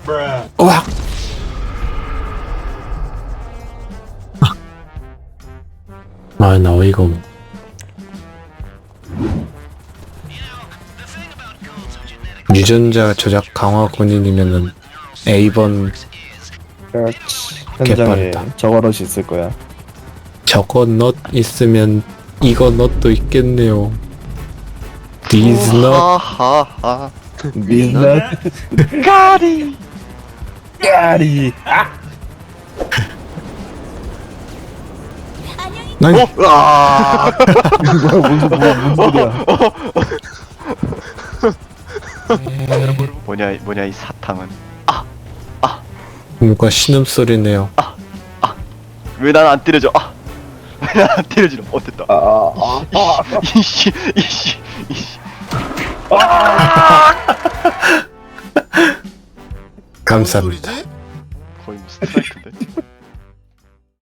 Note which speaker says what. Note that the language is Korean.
Speaker 1: 으악! 아, 나 어이가 없네. 유전자 조작 강화 군인이면은 A번
Speaker 2: 그렇지. 현장에
Speaker 1: 개빠르다.
Speaker 2: 저거럿이 있을 거야.
Speaker 1: 저거 넛 있으면 이거 넛도 있겠네요. These nut.
Speaker 3: 하하하.
Speaker 2: 민낯
Speaker 3: 까리.
Speaker 2: 까리.
Speaker 1: 아니,
Speaker 3: 아.
Speaker 2: 뭔 소리야?
Speaker 3: 뭐냐 이 사탕은.
Speaker 1: 뭔가 신음소리네요.
Speaker 3: 왜 난 안 때려져? 왜 난 안 때려지노? 됐다. 이씨.
Speaker 1: 감사합니다.
Speaker 3: 거의 뭐 스트라이크인데.